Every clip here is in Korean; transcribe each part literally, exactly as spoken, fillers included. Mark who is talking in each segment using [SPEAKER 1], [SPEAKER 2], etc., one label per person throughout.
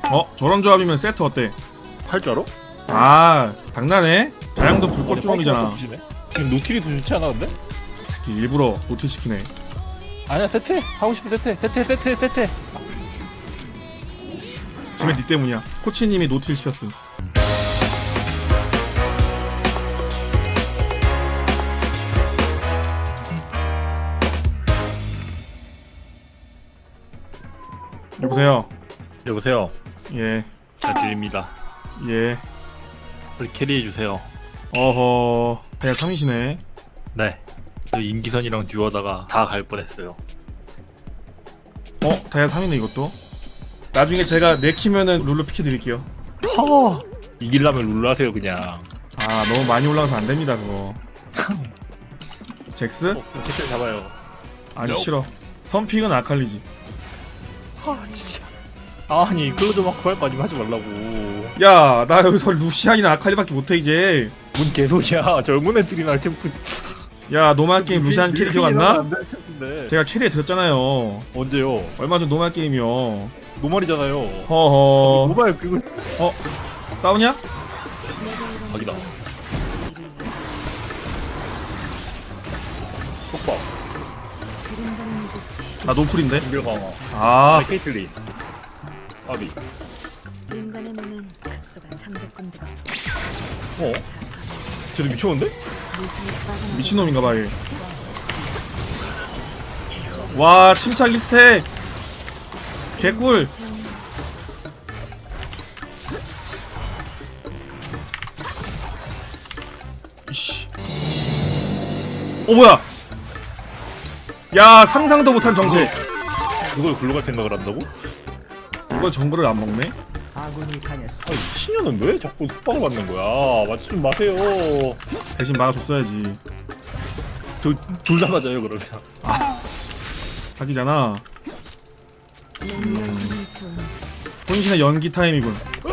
[SPEAKER 1] 어? 저런 조합이면 세트 어때?
[SPEAKER 2] 할 줄 알아?
[SPEAKER 1] 아 장난해? 자양도 불꽃 주먹이잖아.
[SPEAKER 2] 지금 노틸이 더 좋지 않아 근데?
[SPEAKER 1] 새끼 일부러 노틸 시키네.
[SPEAKER 2] 아니야 세트해 하고 싶은 세트해 세트해 세트해 세트해.
[SPEAKER 1] 지금 니 때문이야. 코치님이 노틸 시켰음. 여보세요.
[SPEAKER 2] 여보세요.
[SPEAKER 1] 예.
[SPEAKER 2] 잘 들립니다.
[SPEAKER 1] 예.
[SPEAKER 2] 우리 캐리해주세요.
[SPEAKER 1] 어허. 그냥 삼이시네.
[SPEAKER 2] 네. 저 임기선이랑 듀오하다가 다 갈 뻔했어요.
[SPEAKER 1] 어? 다이아 삼이네 이것도. 나중에 제가 내키면은 룰루 피키 드릴게요.
[SPEAKER 2] 허. 이기려면 룰루 하세요 그냥.
[SPEAKER 1] 아 너무 많이 올라가서 안됩니다 그거. 잭스?
[SPEAKER 2] 어, 그럼 캐리 잡아요.
[SPEAKER 1] 아니 싫어. 선픽은 아칼리지.
[SPEAKER 2] 아 진짜. 아니 클로저 마크 할 거 아니면 하지 말라고.
[SPEAKER 1] 야 나 여기서 루시안이나 아칼리밖에 못해 이제.
[SPEAKER 2] 뭔 개소리야. 젊은 애들이나 챔프.
[SPEAKER 1] 야 노말 게임 루시안 캐리 기억 안 나?
[SPEAKER 2] 네.
[SPEAKER 1] 제가 캐리해 드렸잖아요.
[SPEAKER 2] 언제요?
[SPEAKER 1] 얼마 전 노말 게임이요.
[SPEAKER 2] 노말이잖아요.
[SPEAKER 1] 허허.
[SPEAKER 2] 노말 그거.
[SPEAKER 1] 어? 싸우냐?
[SPEAKER 2] 각이다. 속박.
[SPEAKER 1] 나 노플인데?
[SPEAKER 2] 인별 강화.
[SPEAKER 1] 아
[SPEAKER 2] 케이틀린. 아비.
[SPEAKER 3] 인간의 몸엔 각소가 삼백 군데가
[SPEAKER 2] 어? 쟤도 미쳤는데?
[SPEAKER 1] 미친놈인가봐 얘. 와 침착 이스택 개꿀. 이씨. 어 뭐야? 야 상상도 못한 정체.
[SPEAKER 2] 그걸 글로 갈 생각을 한다고?
[SPEAKER 1] 이걸 정글을 안 먹네?
[SPEAKER 4] 아군이 당했어.
[SPEAKER 2] 아니 신녀는 왜 자꾸 흑박을 받는 거야? 맞지 좀 마세요.
[SPEAKER 1] 대신 막아줬어야지.
[SPEAKER 2] 저 둘 다 맞아요 그러면.
[SPEAKER 1] 사기잖아.
[SPEAKER 3] 음.
[SPEAKER 1] 혼신의 연기 타임이군.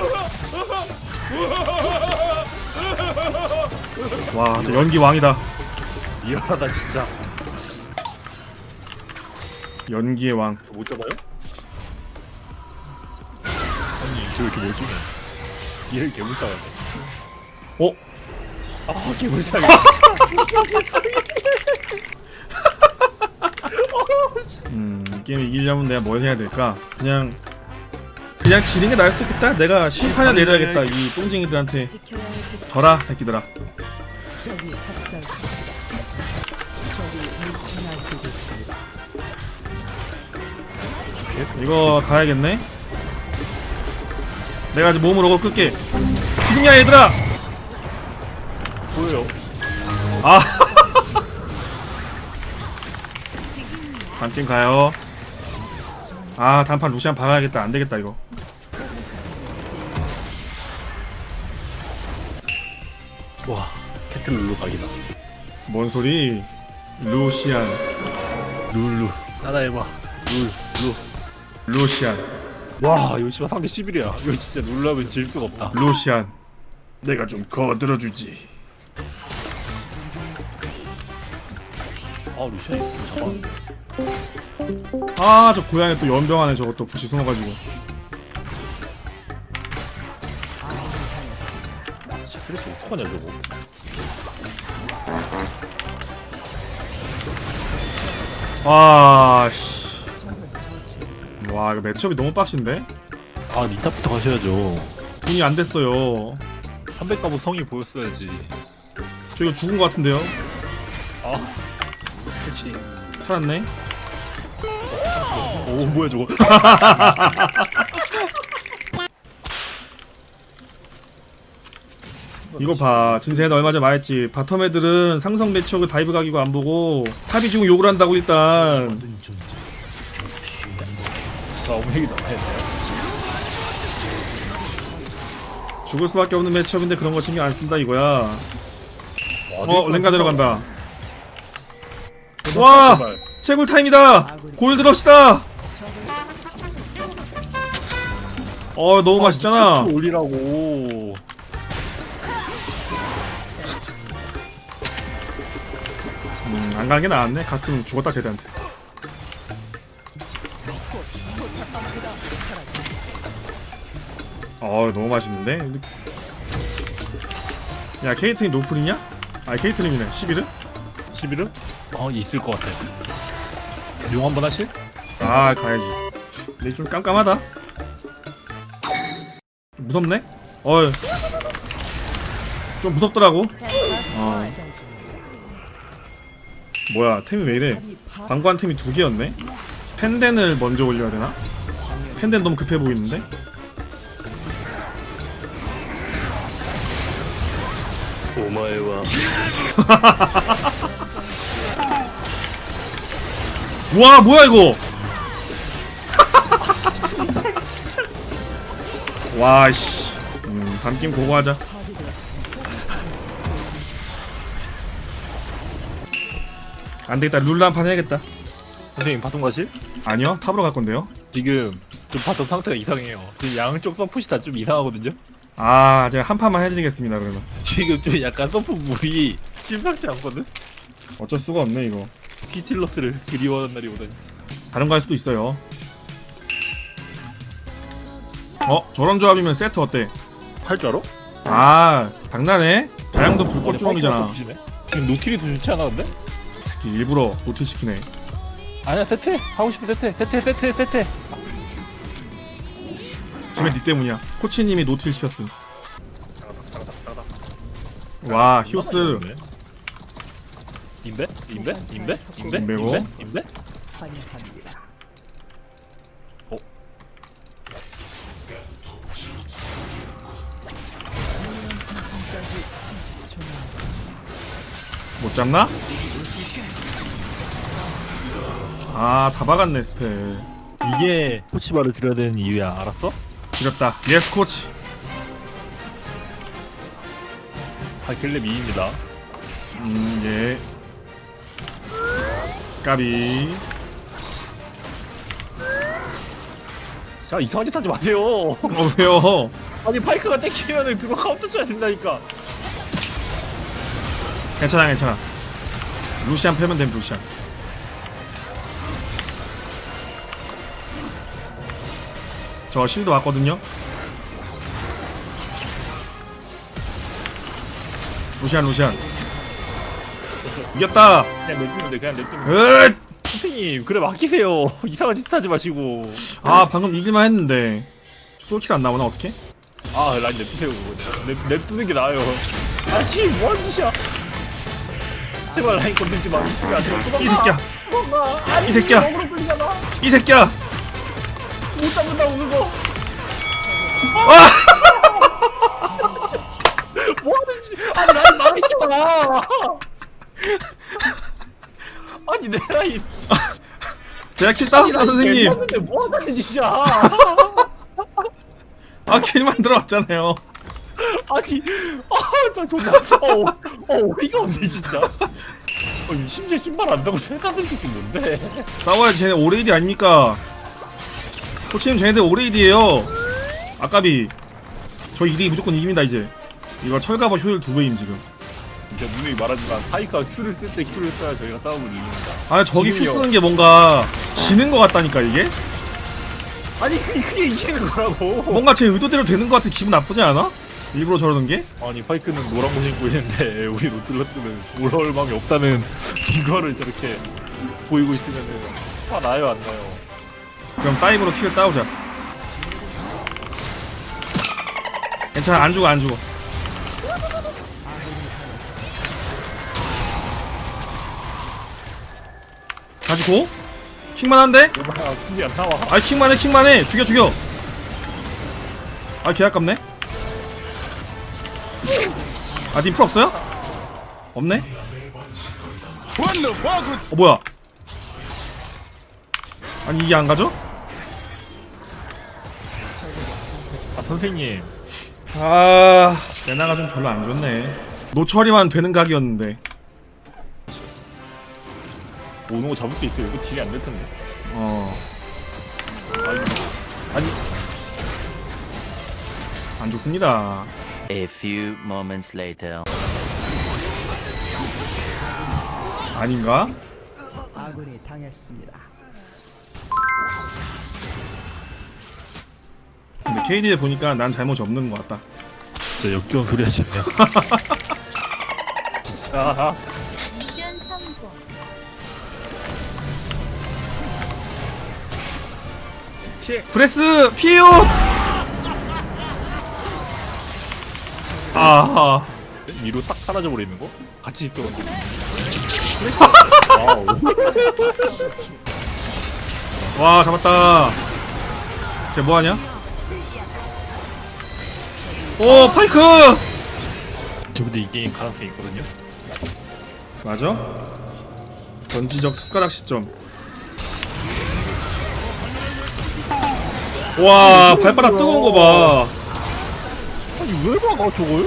[SPEAKER 1] 와 진짜 연기 왕이다.
[SPEAKER 2] 미안하다 진짜.
[SPEAKER 1] 연기의 왕.
[SPEAKER 2] 저 못 잡아요? 아니 저 왜 이렇게 멀쩡해? 얘를 개물상하네.
[SPEAKER 1] 어?
[SPEAKER 2] 아 개물상해.
[SPEAKER 1] 음, 이 게임 이기려면 내가 뭘 해야 될까? 그냥 그냥 지는 게 나을 수도 있겠다. 내가 심판을 내려야겠다. 이 똥쟁이들한테.
[SPEAKER 3] 지켜야 할 그
[SPEAKER 1] 져라 새끼들아.
[SPEAKER 4] 적이 학살. 적이 물친할 수도 있습니다.
[SPEAKER 1] 이거 가야겠네. 내가 아직 몸으로 거 끌게. 지금이야 얘들아.
[SPEAKER 2] 보여요?
[SPEAKER 1] 아. 단팀 가요. 아 단판 루시안 박아야겠다. 안 되겠다 이거.
[SPEAKER 2] 와 캐틀 룰루 각이다.
[SPEAKER 1] 뭔 소리? 루시안.
[SPEAKER 2] 룰루 따라해봐. 룰루.
[SPEAKER 1] 루시안.
[SPEAKER 2] 와 이거 씨발 상대 십일이야. 이거 진짜 룰루 하면 질 수가 없다.
[SPEAKER 1] 루시안. 내가 좀 거들어주지.
[SPEAKER 2] 아 루시안 있으면 잡아.
[SPEAKER 1] 아 저 고양이 또 연병하네. 저것도 부시 숨어가지고.
[SPEAKER 2] 진짜 스트레스 어떡하냐 저거.
[SPEAKER 1] 와 씨. 와 이거 매치업이 너무 빡신데?
[SPEAKER 2] 아 니탑부터 가셔야죠.
[SPEAKER 1] 돈이 안 됐어요.
[SPEAKER 2] 삼백 가보 성이 보였어야지.
[SPEAKER 1] 저 이거 죽은 것 같은데요?
[SPEAKER 2] 아 그치.
[SPEAKER 1] 살았네?
[SPEAKER 2] 오 뭐야 저거.
[SPEAKER 1] 이거 봐. 진세는 얼마 전에 말했지. 바텀 애들은 상성 매치업을 다이브 각이고 안 보고 탑이 지금 욕을 한다고 일단.
[SPEAKER 2] 자 오메기다.
[SPEAKER 1] 죽을 수밖에 없는 매치업인데 그런 거 신경 안 쓴다 이거야. 어 랭가 들어간다. 와! 채굴 타임이다! 골드러시다! 어 너무 맛있잖아.
[SPEAKER 2] 올리라고.
[SPEAKER 1] 음, 안 가는 게 나았네. 갔으면 죽었다 쟤들한테. 어 너무 맛있는데? 야 케이틀린 노플이냐? 아 케이틀린이네 십일은?
[SPEAKER 2] 십일은? 어 있을 것 같아. 용 한번 하실?
[SPEAKER 1] 아 가야지. 근데 좀 깜깜하다. 무섭네? 어이 좀 무섭더라고. 어 뭐야 템이 왜 이래? 방관 템이 두 개였네? 펜덴을 먼저 올려야 되나? 펜덴 너무 급해 보이는데? 와 뭐야 이거? 와씨 음 밤김 고고하자. 안되겠다 룰라 한 판 해야겠다.
[SPEAKER 2] 선생님 바통 가실?
[SPEAKER 1] 아니요 탑으로 갈 건데요.
[SPEAKER 2] 지금 좀 바통 상태가 이상해요. 지금 양쪽 서폿이 다 좀 이상하거든요.
[SPEAKER 1] 아 제가 한 판만 해드리겠습니다 그러면.
[SPEAKER 2] 지금 좀 약간 서폿 물이 심상치 않거든?
[SPEAKER 1] 어쩔 수가 없네 이거.
[SPEAKER 2] 티틸러스를 그리워하는 날이 오다니.
[SPEAKER 1] 다른 거 할 수도 있어요. 어? 저런 조합이면 세트 어때?
[SPEAKER 2] 할 줄 알아?
[SPEAKER 1] 아 장난해? 자양도 불꽃주먹이잖아.
[SPEAKER 2] 지금 노틸이 더 좋지 않아 근데?
[SPEAKER 1] 새끼 일부러 노틸시키네.
[SPEAKER 2] 아니야 세트 하고 싶은 세트 세트 세트 세트.
[SPEAKER 1] 지금 니 때문이야. 코치님이 노틸 시켰음. 와 히오스
[SPEAKER 2] 임배? 임배? 임배? 임배?
[SPEAKER 1] 임배고.
[SPEAKER 2] 임배? 임배?
[SPEAKER 4] 환영합니다.
[SPEAKER 2] 어?
[SPEAKER 1] 못 잡나? 아 다 박았네 스펠.
[SPEAKER 2] 이게 코치바를 들어야 되는 이유야 알았어?
[SPEAKER 1] 지렸다. 예스 코치.
[SPEAKER 2] 하길렘 이입니다.
[SPEAKER 1] 음 예. 까비.
[SPEAKER 2] 자 이상한 짓 하지 마세요.
[SPEAKER 1] 어 왜요?
[SPEAKER 2] 아니 파이크가 땡기면은 그거 카운터 쳐야 된다니까.
[SPEAKER 1] 괜찮아 괜찮아. 루시안 패면 됨 루시안. 저 실드 왔거든요. 루시안 루시안 이겼다.
[SPEAKER 2] 그냥 냅두면 돼 그냥 냅두면 돼.
[SPEAKER 1] 으!
[SPEAKER 2] 선생님 그래 맡기세요. 이상한 짓 하지 마시고.
[SPEAKER 1] 아 방금 이길만 했는데 솔킬 안 나오나 어떡해?
[SPEAKER 2] 아 라인 냅두세요. 냅, 냅두는 게 나아요. 아씨 뭐하는 짓이야. 제발 라인 건들지 마.
[SPEAKER 1] 이 새끼야
[SPEAKER 2] 아니,
[SPEAKER 1] 이 새끼야.
[SPEAKER 2] 어그로 끌리잖아.
[SPEAKER 1] 이 새끼야.
[SPEAKER 2] 못 잡는다고 그거.
[SPEAKER 1] 아!
[SPEAKER 2] 뭐하는 짓? 아니 라인 망했잖아. 아니 내 라인.
[SPEAKER 1] 제가 킬 따왔어 선생님.
[SPEAKER 2] 했는데 뭐하는 짓이야.
[SPEAKER 1] 아 킬만 들어왔잖아요.
[SPEAKER 2] 아니, 아, 나 존나 무서워. 어, 어이가 없네, 진짜. 아니, 심지어 신발 안 사고 세사슬 새끼 뭔데?
[SPEAKER 1] 싸워야지. 쟤네 오레이디 아닙니까? 코치님 쟤네들 오레이디에요. 아까비 저 이대 무조건 이깁니다 이제. 이거 철갑어 효율 두 배임 지금.
[SPEAKER 2] 진짜 누누이 말하지만 파이크가 Q를 쓸 때 Q를 써야 저희가 싸움을 이깁니다.
[SPEAKER 1] 아니 저기 큐
[SPEAKER 2] 지금요.
[SPEAKER 1] 쓰는 게 뭔가 지는 것 같다니까 이게?
[SPEAKER 2] 아니, 그게, 그게 이기는 거라고.
[SPEAKER 1] 뭔가 제 의도대로 되는 것 같아. 기분 나쁘지 않아? 일부러 저러는 게?
[SPEAKER 2] 아니, 파이크는 노란 거 신고 있는데 우리 노틀러스는 올라올 마음이 없다는 이거를 저렇게 보이고 있으면은 화 나요, 안 나요?
[SPEAKER 1] 그럼 다이브로 킬을 따오자. 괜찮아 안 죽어 안 죽어. 다시 고? 킥만 한데?
[SPEAKER 2] 얼마나 큰게 안 나와.
[SPEAKER 1] 아이 킥만 해 킥만 해 죽여 죽여. 아 개아깝네. 아 님 풀 없어요? 없네? 어 뭐야? 아니 이게 안 가죠?
[SPEAKER 2] 아, 선생님.
[SPEAKER 1] 아 레나가 좀 별로 안 좋네. 노처리만 되는 각이었는데.
[SPEAKER 2] 오는 거 잡을 수 있어요. 이거 딜이 안 될 텐데.
[SPEAKER 1] 어
[SPEAKER 2] 아니,
[SPEAKER 1] 아니 안 좋습니다.
[SPEAKER 5] A few moments later.
[SPEAKER 1] 아닌가?
[SPEAKER 4] 아군이 당했습니다.
[SPEAKER 1] 근데 케이디에 보니까 난 잘못이 없는 것 같다.
[SPEAKER 2] 진짜 역겨운 소리 하시네요. 진짜.
[SPEAKER 3] 미션 성공.
[SPEAKER 1] 브레스 피우. 아하.
[SPEAKER 2] 위로 싹 사라져 버리는 거? 같이 있더라고.
[SPEAKER 1] 와 잡았다. 쟤 뭐하냐? 오 파이크.
[SPEAKER 2] 저분도 이 게임 가능성이 있거든요.
[SPEAKER 1] 맞아? 전지적 숟가락 시점. 와 발바닥 뜨거운 거 봐.
[SPEAKER 2] 아니 왜 막아 저걸?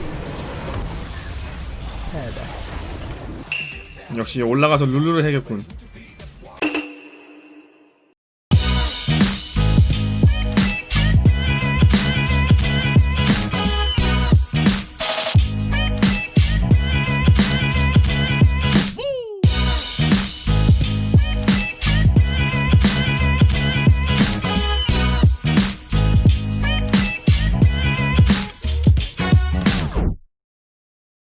[SPEAKER 1] 역시 올라가서 룰루를 해야겠군.